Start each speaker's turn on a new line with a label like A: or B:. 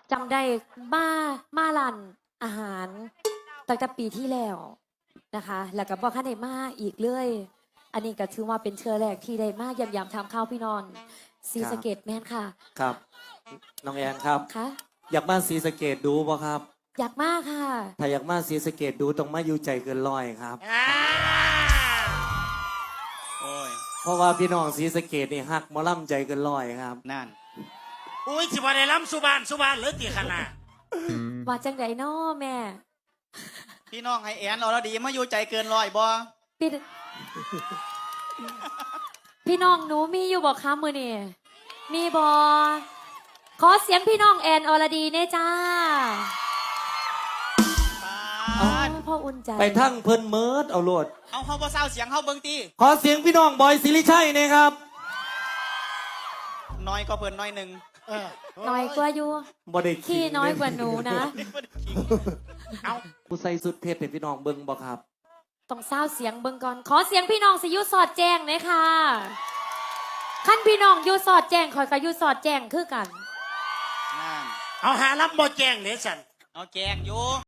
A: จำได้มาร้านอาหารตั้งแต่ปีที่แล้วนะคะ แล้วก็บอกข้าได้มาอีกเลย อันนี้ก็ถือว่าเป็นเชื้อแรกที่ได้มายำทำข้าวพี่นอนซีสะเกตแม่นค่ะ
B: ครับน้องแอนครับ
A: คะ
B: อยากมาศรีสะเกดดูบ่ครับ
A: อยากมากค่ะ
B: ถ้าอยากมาศรีสะเกดดูต้องมาอยู่ใจเกินร้อยครับ
C: โอ้ย
B: เพราะว่าพี่น้องศรีสะเกดนี่ฮักหมอล่ำใจเกินร้อยครับ
C: นั่น
D: อุ้ยสิบ่ได้ล้ำสุบานเหลือตีขนาด
A: ว่าจังไดน้อแม่
C: พี่น้องให้แอนเราดีมาอยู่ใจเกินร้อยบ่
A: พี่ พี่น้องหนูมีอยู่บอกคะมือนี่มีบอขอเสียงพี่น้องแอนอรดีเน่จ้า
C: ปาด
A: พ่ออุ่นใจ
B: ไปทั้งเพิ่นเมิดเอาโลด
C: เอาเฮาบ่เศร้าเสียงเฮาเบิ่งตี
B: ขอเสียงพี่น้องบอยสิริชัยนะครับ
C: น้อยก็เพิ่นน้อยหนึง
A: น้อยกว่าอยู่
B: บ่ได้
A: ขี้น้อยกว่าหนูนะ
D: เอา
B: ผู้ใส่สุดเพชรเป็นพี่น้องเบิ่งบ่ครับ
A: ต้องเศร้าเสียงเบิ่งก่อน ขอเสียงพี่น้องสิอยุสอดแจ้งหน่อยค่ะขั้นพี่น้องอยุสอดแจ้งคอยกับยุสอดแจ้งคือกัน
C: นั่น
D: เอาหารับบ่แจ้งเด้สัน
C: เอาแกงอยู่